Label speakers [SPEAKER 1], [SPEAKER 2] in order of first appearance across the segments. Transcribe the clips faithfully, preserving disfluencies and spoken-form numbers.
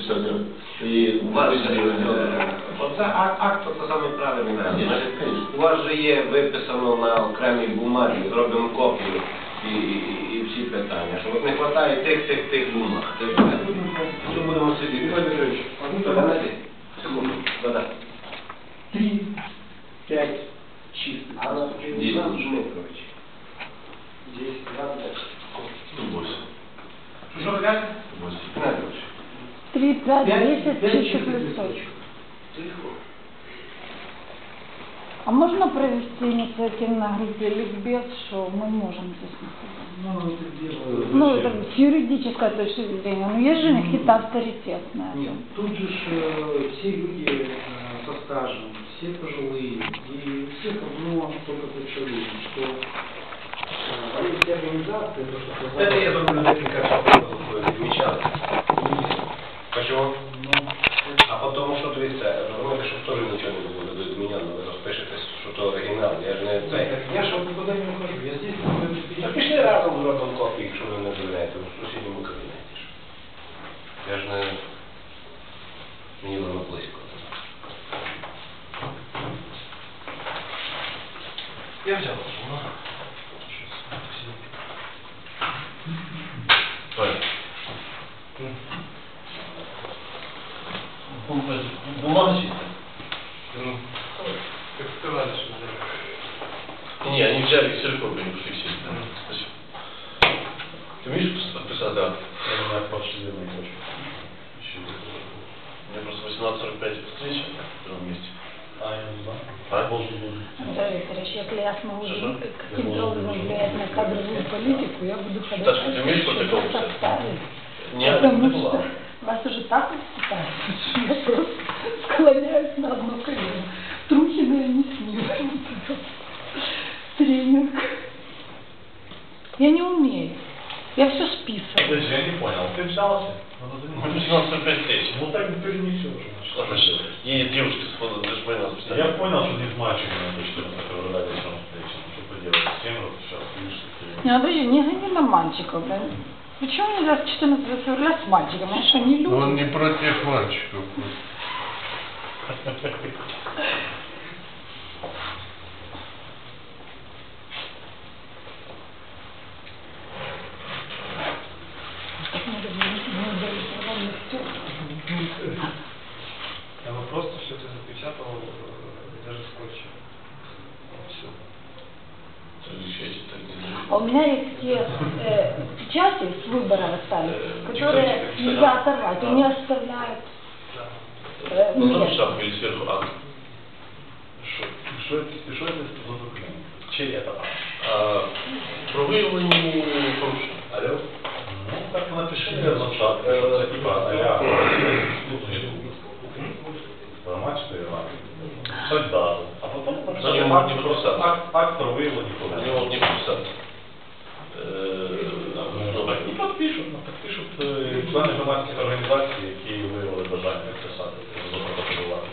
[SPEAKER 1] Все, і
[SPEAKER 2] У вас же, оце акт, акт це саме правильний варіант. У вас же є виписано на окремій бумагі, зробимо копію і, і, і всі питання. Що от не вистачає тих, тих, тих бумаг. Це все. Що будемо сидіти? Секунду. Да-да.
[SPEAKER 3] Три, пять, чистых.
[SPEAKER 2] Десять Дмитрович.
[SPEAKER 3] Десять, двадцать.
[SPEAKER 1] сто восемь.
[SPEAKER 3] Что вы говорите?
[SPEAKER 2] Дмитрович.
[SPEAKER 4] Три, пять, десять чистых листочков. А можно провести инициативной группе ликбез, что мы можем здесь находиться?
[SPEAKER 3] Ну, это дело...
[SPEAKER 4] Ну, это с юридической точки зрения. Но есть же какие-то авторитетные.
[SPEAKER 3] Нет, тут же ж, э, все люди э, со стажем, все пожилые, и у всех одно только ключевое, что э, они все организации, то, что...
[SPEAKER 2] Это я думаю, как замечал. Почему?
[SPEAKER 3] Ну,
[SPEAKER 2] А потому що, дивіться, розумієте, що теж нічого не буде від мене, ви розпишетесь, що то оригінал, я ж не цей.
[SPEAKER 3] я же никуда не ухожу, я здесь...
[SPEAKER 2] Та пішли разом зробимо копії, якщо ви не дозволяєте, в сусідньому кабінеті. Я ж не... Мені воно близько. Я взяв.
[SPEAKER 1] Бумага чистая?
[SPEAKER 5] Ну, как сказали, что взяли.
[SPEAKER 1] Не, они взяли ксерокопию, они ушли все. Спасибо. Ты умеешь подписать, да?
[SPEAKER 5] Я не отпошли на почву.
[SPEAKER 1] У меня просто восемнадцать сорок пять встреча в другом месте.
[SPEAKER 5] А, я не знаю.
[SPEAKER 1] А?
[SPEAKER 5] Должен был.
[SPEAKER 4] Анатолий Викторович, если я смогу
[SPEAKER 1] Что-что?
[SPEAKER 4] каким-то образом влиять на кадровую политику, я буду ходить.
[SPEAKER 1] Сашка, ты умеешь протокол писать?
[SPEAKER 4] Поставить.
[SPEAKER 1] Не,
[SPEAKER 4] Потому
[SPEAKER 1] не
[SPEAKER 4] что
[SPEAKER 1] была.
[SPEAKER 4] вас уже так воспитали, что я просто склоняюсь на одно колено. Трухина я не снимаю. Тренинг. Я не умею. Я все списываю.
[SPEAKER 5] Подожди, я не понял. Ты взялся? Надо
[SPEAKER 1] У
[SPEAKER 5] заниматься.
[SPEAKER 1] меня восемнадцать сорок пять встреча.
[SPEAKER 5] Ну так не перенесешь.
[SPEAKER 1] Ладно, что? Едет девушка с фото, даже по нас
[SPEAKER 5] значит. Я понял, что не с мальчиком надо четырнадцать февраля вечером встреча. Ну что поделать? Семь раз сейчас видишь, что
[SPEAKER 4] Не, подожди, не гони на мальчиков, блин. Почему нельзя с четырнадцатого февраля с мальчиком? Они что, не люди?
[SPEAKER 1] Он не против мальчиков.
[SPEAKER 5] Я бы просто все это запечатал, э, даже скотчем. Все.
[SPEAKER 4] А у меня есть те э, печати с выбора остались, которые нельзя оторвать, они оставляют. Э,
[SPEAKER 1] Ну, там
[SPEAKER 4] нет.
[SPEAKER 1] шапка или сверху акт.
[SPEAKER 5] Что это, что это за документ? Чей это?
[SPEAKER 1] А, про виявлені порушень.
[SPEAKER 5] Алло? Ну, так напиши на чат, э, типа, а-ля, формат, что я вам. Суть дату. А потом напиши
[SPEAKER 1] Они
[SPEAKER 5] акт,
[SPEAKER 1] могут не
[SPEAKER 5] просто
[SPEAKER 1] подписаться.
[SPEAKER 5] акт, акт про выявление
[SPEAKER 1] Они
[SPEAKER 5] порушений.
[SPEAKER 1] могут не подписаться. Э,
[SPEAKER 5] Ну, так не подпишут, ну, подпишут е, члени громадських організацій, які виявили бажання підписати запротоколювати.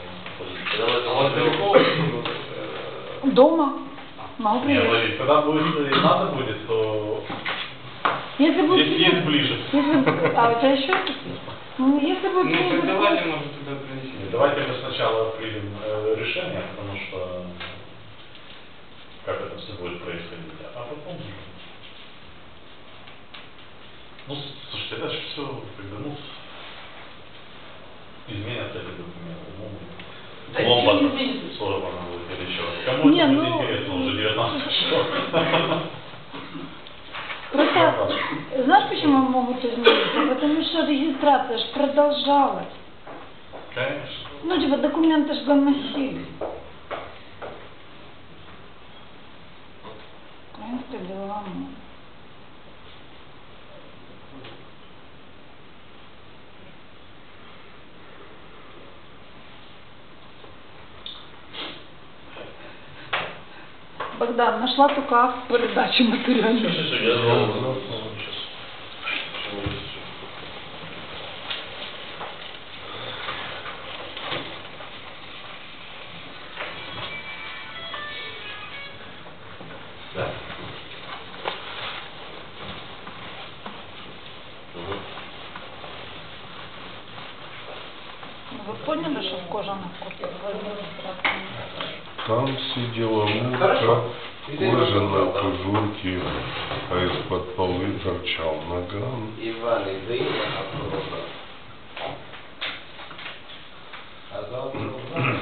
[SPEAKER 4] Дома. Могу
[SPEAKER 5] Не,
[SPEAKER 4] привезти.
[SPEAKER 5] Владимир, когда будет, э, надо будет, то
[SPEAKER 4] Если будет...
[SPEAKER 5] есть, есть ближе.
[SPEAKER 4] Если... А у тебя еще? Ну, если будет...
[SPEAKER 6] Ну, так
[SPEAKER 4] требовать-
[SPEAKER 6] давайте, может, туда принести.
[SPEAKER 5] Давайте мы сначала примем э, решение, потому что как это все будет происходить, а потом... Ну, слушайте, это же все, как бы, ну, изменятся эти документы. Ну,
[SPEAKER 6] Да
[SPEAKER 5] бомба
[SPEAKER 6] ничего не изменится.
[SPEAKER 5] сорвана будет или еще. Кому
[SPEAKER 4] Не,
[SPEAKER 5] это
[SPEAKER 4] ну,
[SPEAKER 5] будет интересно, уже девятнадцать часов.
[SPEAKER 4] Просто, знаешь, почему могут измениться? Потому что регистрация же продолжалась.
[SPEAKER 5] Конечно.
[SPEAKER 4] Ну, типа, документы же доносили. Это дела, ну. Богдан, нашла только акт передачи материальных.
[SPEAKER 1] Все, все, все, я звал. Сейчас.
[SPEAKER 2] Да.
[SPEAKER 1] Угу.
[SPEAKER 4] Вы поняли, что в кожаных куртках в администрации?
[SPEAKER 7] Там сидела
[SPEAKER 2] Хорошо.
[SPEAKER 7] мушка, кожа на кожурке, а из-под полы торчал наган.
[SPEAKER 2] Иван, иди, а завтра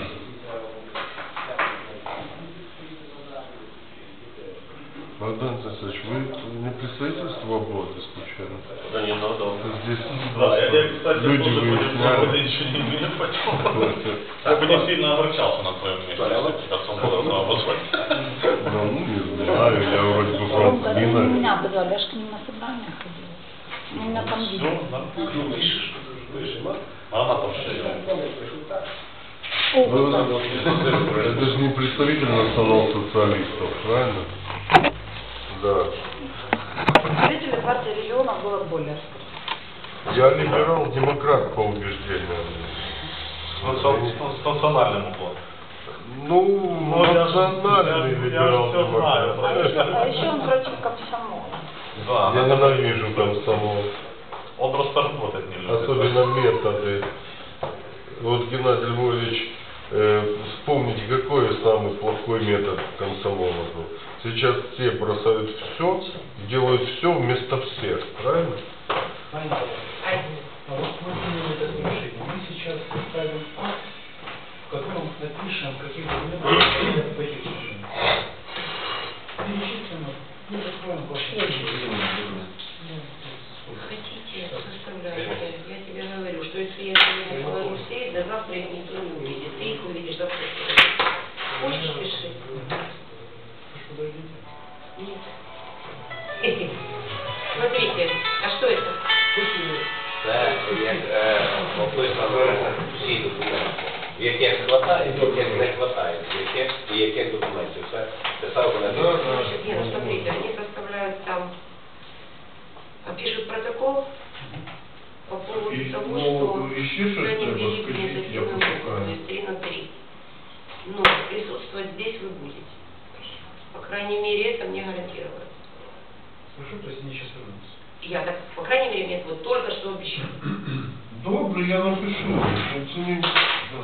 [SPEAKER 7] Богдан Цесович, вы не представительство «Свободы» случайно?
[SPEAKER 1] Да не надо.
[SPEAKER 7] Здесь
[SPEAKER 5] Да, я, я, кстати,
[SPEAKER 7] люди
[SPEAKER 5] тоже понял, что
[SPEAKER 7] выясняют.
[SPEAKER 5] ничего не имею почему. Я бы не сильно огорчался на твоем месте, если отцом было на обозвать.
[SPEAKER 7] Да, ну, не знаю, я вроде бы
[SPEAKER 4] Ромка,
[SPEAKER 7] правда
[SPEAKER 4] это
[SPEAKER 7] не
[SPEAKER 4] не
[SPEAKER 7] знаю.
[SPEAKER 4] меня обозвали, я ж к ним на собрание ходила. Меня там
[SPEAKER 5] Все,
[SPEAKER 4] видели.
[SPEAKER 5] нормально. А она там что делает?
[SPEAKER 4] О,
[SPEAKER 7] Ну,
[SPEAKER 4] вот так.
[SPEAKER 7] это же не представитель национал-социалистов, правильно? Да.
[SPEAKER 4] Представители партии регионов было более.
[SPEAKER 7] Я либерал-демократ по убеждению.
[SPEAKER 5] С национ- с национальным уклоном.
[SPEAKER 7] Ну,
[SPEAKER 5] я ж-
[SPEAKER 7] национальный
[SPEAKER 5] я- я
[SPEAKER 7] либерал-демократ.
[SPEAKER 5] всё знаю,
[SPEAKER 4] А еще он против комсомола.
[SPEAKER 5] Да,
[SPEAKER 7] Я
[SPEAKER 5] она-
[SPEAKER 7] ненавижу комсомол.
[SPEAKER 5] Он просто работать не любит.
[SPEAKER 7] Особенно методы. Вот Геннадий Львович, э, вспомните, какой самый плохой метод комсомола был. Сейчас все бросают все, делают все вместо всех, правильно?
[SPEAKER 3] Понятно. А вот мы приняли это решение. Мы сейчас составим акт, в котором напишем, каких документов надо по этих решениям. Перечислим, и закроем ваши.
[SPEAKER 8] Хотите, составляйте. Я тебе говорю, что если я сегодня положу сеть, до завтра их никто не увидит. Ты их увидишь завтра. Хочешь, пиши?
[SPEAKER 3] Подождите.
[SPEAKER 8] Нет. Смотрите, а что это?
[SPEAKER 2] Це як е, описано всі документи, в яких хватає, в яких не хватає, в яких і яких документів. Це писав мене.
[SPEAKER 8] Значит, Гена, смотрите, они составляют там, а, пишут протокол по поводу
[SPEAKER 7] И-
[SPEAKER 8] того,
[SPEAKER 7] ну,
[SPEAKER 8] что
[SPEAKER 7] ищи, что
[SPEAKER 8] они
[SPEAKER 7] ли,
[SPEAKER 8] ввели
[SPEAKER 7] воскресить,
[SPEAKER 8] административную
[SPEAKER 7] я
[SPEAKER 8] группу,
[SPEAKER 7] пошукаю.
[SPEAKER 8] то есть три на три. Но присутствовать здесь вы будете. По крайней мере, это мне гарантировано.
[SPEAKER 3] Хорошо, то есть они сейчас вернутся.
[SPEAKER 8] Я так, по крайней мере, мне вот только что обещали.
[SPEAKER 7] Добре, я напишу. Оцініть. Да.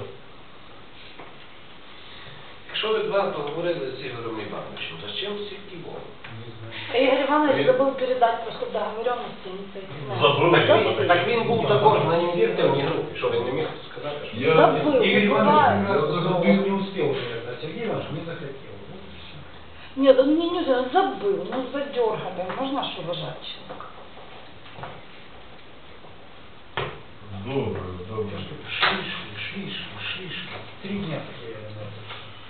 [SPEAKER 2] Якщо ви два поговорили з Ігорем Івановичем, то з чим стільки було?
[SPEAKER 4] Игорь Иванович забыл передать просто договоренности инициативной.
[SPEAKER 5] Забыл.
[SPEAKER 2] Так він, так він був також на ініціативній групі, що він не міг сказати, що...
[SPEAKER 7] Я,
[SPEAKER 4] Забыл,
[SPEAKER 3] Игорь
[SPEAKER 4] не
[SPEAKER 3] Иванович
[SPEAKER 4] бывает.
[SPEAKER 3] как раз сказал, он не успел, наверное, а Сергей Иванович не захотел. Вот и всё.
[SPEAKER 4] Нет, он мне не узнал, он забыл, ну задергали, можно ж уважать человека.
[SPEAKER 7] добре, добре.
[SPEAKER 3] Я что-то шли, шли, шли, шли, шли, шли. Три дня потеряли на это.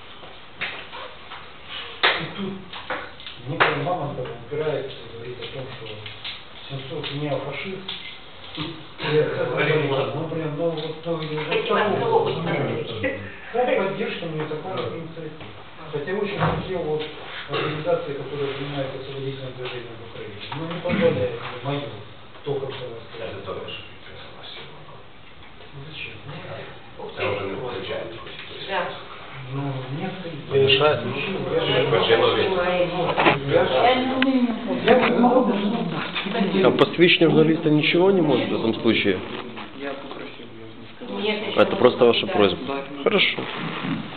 [SPEAKER 3] И тут некая Мамонтов упирается и говорит о том, что Сенцов неофашист. И это, ну, блин, ну, вот, ну, и уже
[SPEAKER 8] Хотела
[SPEAKER 3] второго.
[SPEAKER 8] одного быть на
[SPEAKER 3] Да, поддержка мне такая инициатива. Хотя очень хотел вот организации, которые занимаются освободительным движением в Украине, но не позволяет мне мою только
[SPEAKER 2] Це
[SPEAKER 3] сказать.
[SPEAKER 2] добре, що підписала сьогодні.
[SPEAKER 3] Ну зачем?
[SPEAKER 8] Ух
[SPEAKER 2] Це
[SPEAKER 8] ты.
[SPEAKER 2] вже не виходить.
[SPEAKER 8] Да.
[SPEAKER 3] Ну, нет,
[SPEAKER 2] Не мешает?
[SPEAKER 3] Я же
[SPEAKER 8] Я
[SPEAKER 4] Я не умею.
[SPEAKER 3] Я не могу даже
[SPEAKER 9] А посвящение журналиста ничего не может в этом случае?
[SPEAKER 6] Я попросил, я не сказал.
[SPEAKER 8] Нет, еще
[SPEAKER 9] Это просто ваша
[SPEAKER 8] да.
[SPEAKER 9] просьба.
[SPEAKER 6] Да.
[SPEAKER 9] Хорошо.